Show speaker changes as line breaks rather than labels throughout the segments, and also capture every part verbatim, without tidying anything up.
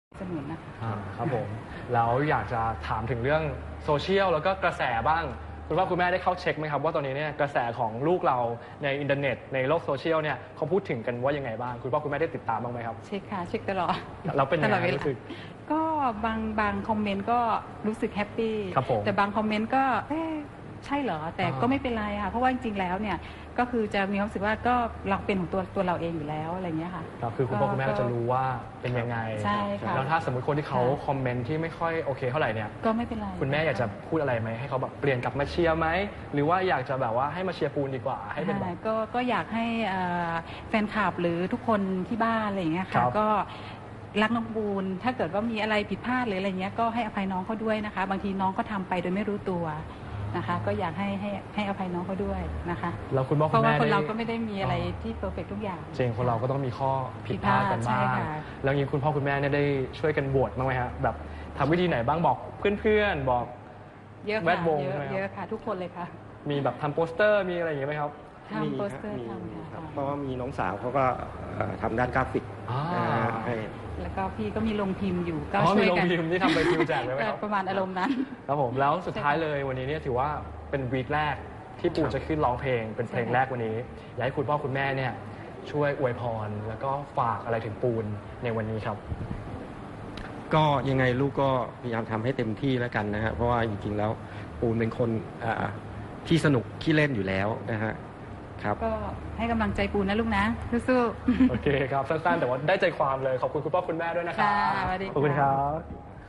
สนุนนะคะ
ครับผมแล้วอยากจะถามถึงเรื่องโซเชียลแล้วก็กระแสบ้างคุณพ่อคุณแม่ได้เข้าเช็คไหมครับว่าตอนนี้เนี่ยกระแสของลูกเราในอินเทอร์เน็ตในโลกโซเชียลเนี่ยเขาพูดถึงกันว่ายังไงบ้างคุณพ่อคุณแม่ได้ติดตามบ้างไหมครับ
เช็คค่ะเช็คตลอด
เราเป็นยังไงรู้สึก
ก็บางบางคอมเมนต์ก็รู้สึกแฮปปี้แต่บางคอมเมนต์ก็เอ๊ะใช่เหรอแต่ก็ไม่เป็นไรค่ะเพราะว่าจริงๆแล้วเนี่ยก็คือจะมีความรู้สึกว่าก็เราเป็นของตัวตัวเราเองอยู่แล้วอะไรเงี้ยค่ะ
ครับคือคุณพ่อคุณแม่จะรู้ว่าเป็นยังไง
ใช่ค่ะ
แล้วถ้าสมมติคนที่เขาคอมเมนต์ที่ไม่ค่อยโอเคเท่าไหร่เนี่ย
ก็ไม่เป็นไร
คุณแม่อยากจะพูดอะไรไหมให้เขาแบบเปลี่ยนกลับมาเชียร์ไหมหรือว่าอยากจะแบบว่าให้มาเชียร์ปูนดีกว่าให้เป็นแบบ
ก็ก็อยากให้แฟนคลับหรือทุกคนที่บ้านอะไรอย่างเงี้ยค่ะก็รักน้องปูนถ้าเกิดว่ามีอะไรผิดพลาดหรืออะไรเงี้ยก็ให้อภัยน้องเขาด้วยนะคะบางทีน้องก็ทำไปโดยไม่รู้ตัวนะคะก็อยากให้ให้ให้อภัยน้องเขาด้วยนะคะ
แล้วคุณพ่อคุณแม่
เพราะว่าคนเราก็ไม่ได้มีอะไรที่เพอร์เฟกต์ทุกอย่าง
จริงคนเราก็ต้องมีข้อผิดพลาดกันบ้างแล้วยิ่งคุณพ่อคุณแม่เนี่ยได้ช่วยกันบวชบ้างไหมฮะแบบทำวิธีไหนบ้างบอกเพื่อนๆบอกแวดวง
เยอะค่ะทุกคนเลยค่ะ
มีแบบทำโปสเตอร์มีอะไรอย่างเงี้ยไหมครับ
ทำโปสเตอร์ทำค่ะ
เพราะว่ามีน้องสาวเขาก็ทำด้านกราฟิกให้
แล้วก็พี่ก็มีลงพิมพ์อยู่ก็
ช่วยกันมีลงพิมพ์ที่ทำไปพิมพ์แจกเลยไหมครับ
ประมาณอารมณ์นั้น
ครับผมแล้วสุดท้ายเลยวันนี้เนี่ยถือว่าเป็นวีคแรกที่ปูนจะขึ้นร้องเพลงเป็นเพลงแรกวันนี้อยากให้คุณพ่อคุณแม่เนี่ยช่วยอวยพรแล้วก็ฝากอะไรถึงปูนในวันนี้ครับ
ก็ยังไงลูกก็พยายามทำให้เต็มที่แล้วกันนะฮะเพราะว่าจริงๆแล้วปูนเป็นคนที่สนุกขี้เล่นอยู่แล้วนะฮะครับ
ก็ให้กำลังใจปูนนะลูกนะสู้
ๆโอเคครับสั้นๆแต่ว่าได้ใจความเลยขอบคุณคุณพ่อคุณแม่ด้วยนะครับขอบคุณครับ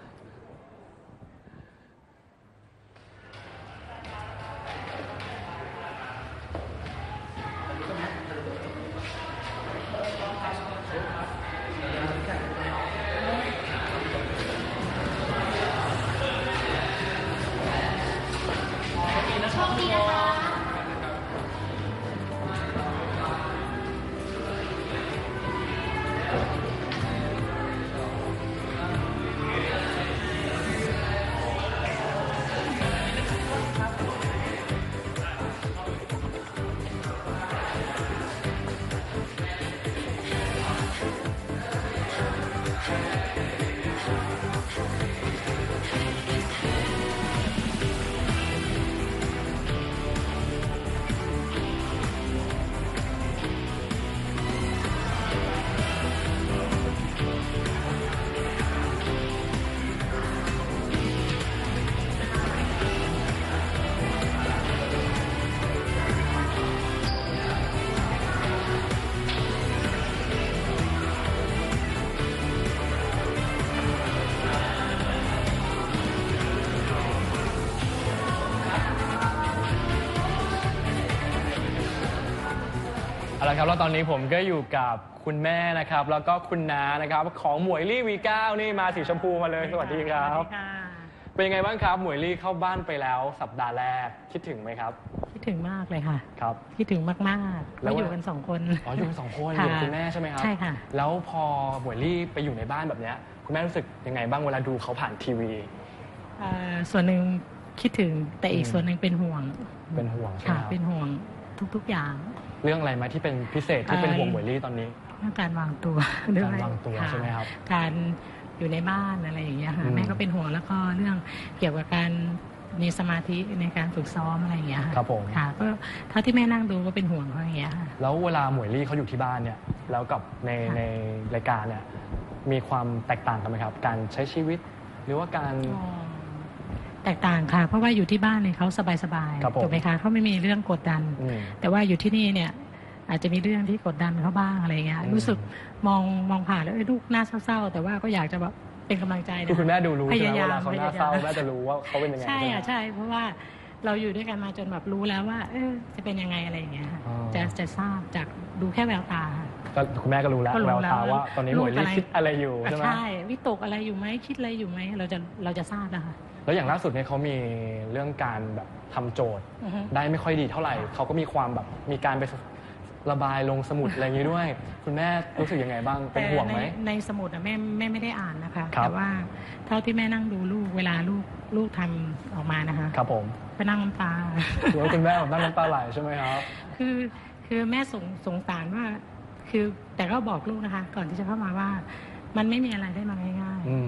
เอาละครับแล้วตอนนี้ผมก็อยู่กับคุณแม่นะครับแล้วก็คุณน้านะครับของหมวยลี่ วี เก้า นี่มาสีชมพูมาเลยสวัสดีครับเป็นยังไงบ้างครับหมวยลี่เข้าบ้านไปแล้วสัปดาห์แรกคิดถึงไหมครับ
คิดถึงมากเลยค่ะ
ครับ
คิดถึงมากๆแล้วอยู่กันสองคน
อ๋ออยู่กันสองคนอยู่คุณแม่ใช่ไหมครับ
ใช่ค่ะ
แล้วพอหมวยลี่ไปอยู่ในบ้านแบบนี้คุณแม่รู้สึกยังไงบ้างเวลาดูเขาผ่านทีวี
ส่วนหนึ่งคิดถึงแต่อีกส่วนหนึ่งเป็นห่วง
เป็นห่วง
ค่ะเป็นห่วงทุกๆอย่าง
เรื่องอะไรไหมที่เป็นพิเศษที่เป็นห่วงหมวยลี่ตอนนี้
เรื่องการวางตัว
การวางตัวใช่ไหมครับ
การอยู่ในบ้านอะไรอย่างเงี้ยค่ะแม่ก็เป็นห่วงแล้วก็เรื่องเกี่ยวกับการมีสมาธิในการฝึกซ้อมอะไรอย่างเงี้ยค่ะ
ครับผม
ค่ะก็เท่าที่แม่นั่งดูก็เป็นห่วงเขาอย่างเงี้ยค่ะ
แล้วเวลาหมวยลี่เขาอยู่ที่บ้านเนี่ยแล้วกับในในรายการเนี่ยมีความแตกต่างกันไหมครับการใช้ชีวิตหรือว่าการ
แตกต่างค่ะเพราะว่าอยู่ที่บ้านเนี่ยเขาสบายๆถูกไหมคะเขาไม่มีเรื่องกดดันแต่ว่าอยู่ที่นี่เนี่ยอาจจะมีเรื่องที่กดดันเขาบ้างอะไรเงี้ยรู้สึกมองมองผ่านแล้วลูกหน้าเศร้าๆแต่ว่าก็อยากจะแบบเป็นกำลังใจนะ
คุณแม่ดูรู้ใช่ไหมเวลาเขาหน้าเศร้าแม่จะรู้ว่าเขาเป็นยังไง
ใช่อ่ะใช่เพราะว่าเราอยู่ด้วยกันมาจนแบบรู้แล้วว่าเออจะเป็นยังไงอะไรอย่างเงี้ยจะจะทราบจากดูแค่แววตา
ก็คุณแม่ก็รู้แล้วแววตาว่าตอนนี้หมวยลี่คิดอะไรอยู่ใช่ไหม
ใช่วิตกอะไรอยู่ไหมคิดอะไรอยู่ไหมเราจะเราจะทราบนะคะ
แล้วอย่างล่าสุดเนี่ยเขามีเรื่องการแบบทำโจทย์ได้ไม่ค่อยดีเท่าไหร่เขาก็มีความแบบมีการไประบายลงสมุดอะไรอย่างนี้ด้วยคุณแม่รู้สึกยังไงบ้างเป็นห่วงไหม
ในสมุดแม่แม่ไม่ได้อ่านนะคะแต่ว่าเท่าที่แม่นั่งดูลูกเวลาลูกลูกทำออกมานะคะ
ครับผม
ไปนั่งน้ำตา
หรือว่าคุณแม่นั่งน้ำตาไหลใช่ไหมครับ
คือคือแม่สงสงสารว่าคือแต่ก็บอกลูกนะคะก่อนที่จะเข้ามาว่ามันไม่มีอะไรได้มาง่าย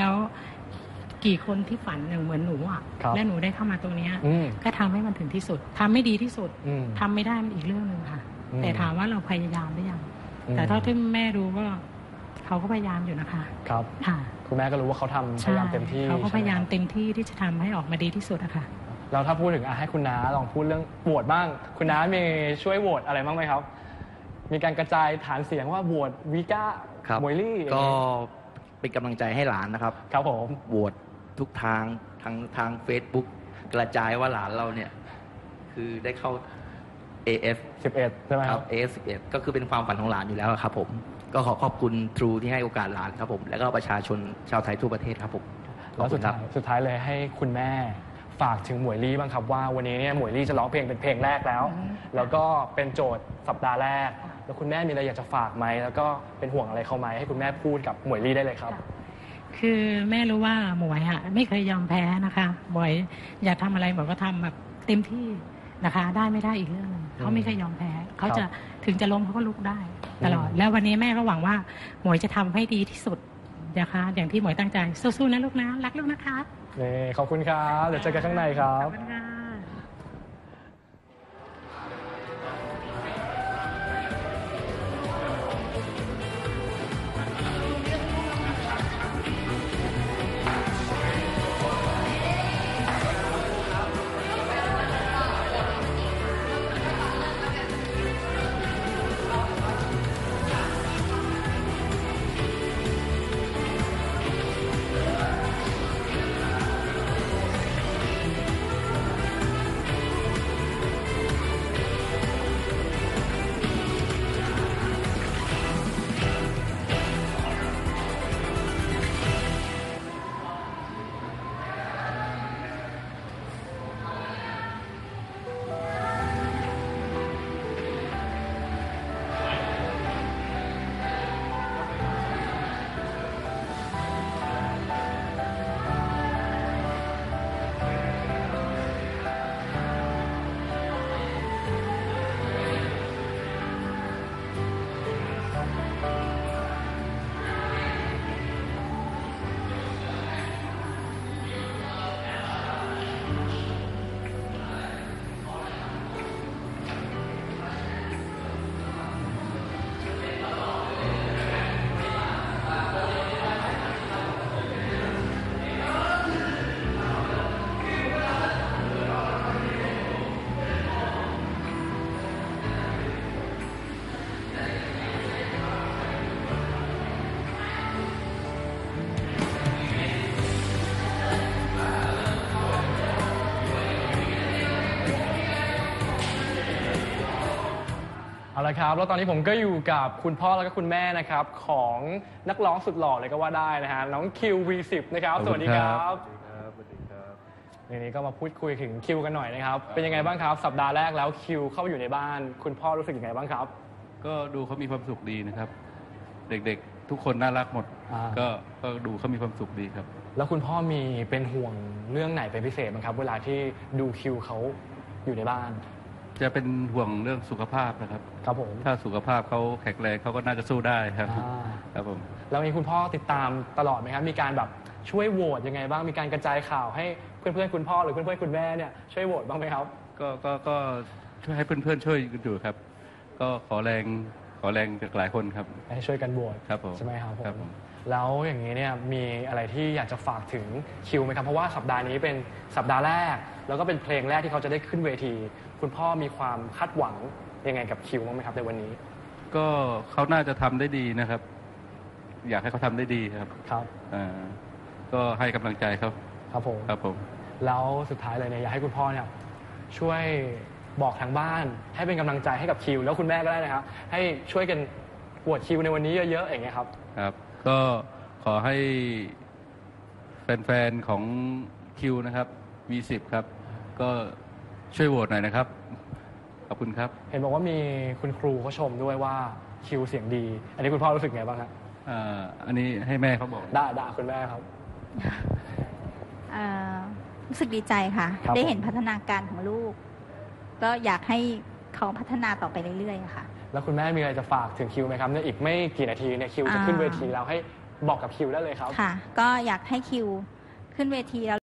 แล้วกี่คนที่ฝันอย่างเหมือนหนูอ่ะและหนูได้เข้ามาตรงนี้ก็ทำให้มันถึงที่สุดทำไม่ดีที่สุดทำไม่ได้มันอีกเรื่องหนึ่งค่ะแต่ถามว่าเราพยายามหรือยังแต่เท่าที่แม่รู้ก็เขาก็พยายามอยู่นะคะ
ครับค่ะคุณแม่ก็รู้ว่าเขาทำพยายามเต็มที่
เขาก็พยายามเต็มที่ที่จะทำให้ออกมาดีที่สุดอะค่ะ
เราถ้าพูดถึงอ่ะให้คุณน้าลองพูดเรื่องโหวตบ้างคุณน้ามีช่วยโหวตอะไรบ้างไหมครับมีการกระจายฐานเสียงว่าโหวตวีก้ามวยลี่
ก็เป็นกำลังใจให้หลานนะครับ
ครับผม
โหวตทุกทางทางทาง Facebook กระจายว่าหลานเราเนี่ยคือได้เข้า เอ เอฟ
สิบเอ็ดใช่ไหมครับ
เอ เอฟ สิบเอ็ดก็คือเป็นความฝันของหลานอยู่แล้วครับผมก็ขอขอบคุณ True ที่ให้โอกาสหลานครับผมและก็ประชาชนชาวไทยทั่วประเทศครับผม
แล้วสุดท้ายสุดท้ายเลยให้คุณแม่ฝากถึงหมวยลี่บ้างครับว่าวันนี้เนี่ยหมวยลี่จะร้องเพลงเป็นเพลงแรกแล้วแล้วก็เป็นโจทย์สัปดาห์แรกแล้วคุณแม่มีอะไรอยากจะฝากไหมแล้วก็เป็นห่วงอะไรเขาไหมให้คุณแม่พูดกับหมวยลี่ได้เลยครับ
คือแม่รู้ว่าหมวยอะไม่เคยยอมแพ้นะคะหมวยอยากทำอะไรหมวยก็ทำแบบเต็มที่นะคะได้ไม่ได้อีกเรื่องนึงเขาไม่เคยยอมแพ้เขาจะถึงจะล้มเขาก็ลุกได้ตลอดแล้ววันนี้แม่ก็หวังว่าหมวยจะทำให้ดีที่สุดนะคะอย่างที่หมวยตั้งใจสู้ๆนะลูกนะรักลูกนะคะ
นี่ขอบคุณครับเดี๋ยวเจอกันข้างในครับขอบคุณค่ะเอาละครับแล้วตอนนี้ผมก็อยู่กับคุณพ่อแล้วก็คุณแม่นะครับของนักร้องสุดหล่อเลยก็ว่าได้นะฮะน้องคิว วี สิบ นะครับสวัสดีครับสวัสดีครับสวัสดีครับทีนี้ก็มาพูดคุยถึงคิวกันหน่อยนะครับเป็นยังไงบ้างครับสัปดาห์แรกแล้วคิวเข้าอยู่ในบ้านคุณพ่อรู้สึกยังไงบ้างครับ
ก็ดูเขามีความสุขดีนะครับเด็กๆทุกคนน่ารักหมดก็ก็ดูเขามีความสุขดีครับ
แล้วคุณพ่อมีเป็นห่วงเรื่องไหนเป็นพิเศษบ้างครับเวลาที่ดูคิวเขาอยู่ในบ้าน
จะเป็นห่วงเรื่องสุขภาพนะครับ
ครับผม
ถ้าสุขภาพเขาแข็งแรงเขาก็น่าจะสู้ได้ครับครับผม
แล้วมีคุณพ่อติดตามตลอดไหมครับมีการแบบช่วยโหวตยังไงบ้างมีการกระจายข่าวให้เพื่อนๆคุณพ่อหรือเพื่อนๆคุณแม่เนี่ยช่วยโหวตบ้างไหมครับ
ก็ก็ก็ช่วยให้เพื่อนๆช่วยกันอยู่ครับก็ขอแรงขอแรงจากหลายคนครับ
ให้ช่วยกันโหวต
ครับผม
ใช่ไหมครับผมแล้วอย่างนี้เนี่ยมีอะไรที่อยากจะฝากถึงคิวไหมครับเพราะว่าสัปดาห์นี้เป็นสัปดาห์แรกแล้วก็เป็นเพลงแรกที่เขาจะได้ขึ้นเวทีคุณพ่อมีความคาดหวังยังไงกับคิวบ้างไหมครับในวันนี้
ก็เขาน่าจะทำได้ดีนะครับอยากให้เขาทำได้ดีครับ
ครับ
อ่าก็ให้กำลังใจเขา
ครับผม
ครับผม
แล้วสุดท้ายเลยเนี่ยอยากให้คุณพ่อเนี่ยช่วยบอกทางบ้านให้เป็นกำลังใจให้กับคิวแล้วคุณแม่ก็ได้นะครับให้ช่วยกันโหวตคิวในวันนี้เยอะๆอย่างเงี้ยครับ
ครับก็ขอให้แฟนๆของคิวนะครับ วี สิบ ครับก็ช่วยโหวตหน่อยนะครับขอบคุณครับ
เห็นบอกว่ามีคุณครูเขาชมด้วยว่าคิวเสียงดีอันนี้คุณพ่อรู้สึกไงบ้างครับ
อ่าอันนี้ให้แม่เขาบอก
ได้ได้คุณแม่ครับ
รู้สึกดีใจค่ะได้เห็นพัฒนาการของลูกก็อยากให้เขาพัฒนาต่อไปเรื่อยๆค่ะ
แล้วคุณแม่มีอะไรจะฝากถึงคิวไหมครับเนี่ยอีกไม่กี่นาทีเนี่ยคิวจะขึ้นเวทีแล้วให้บอกกับคิวได้เลยครับ
ค่ะ ก็อยากให้คิวขึ้นเวทีแล้ว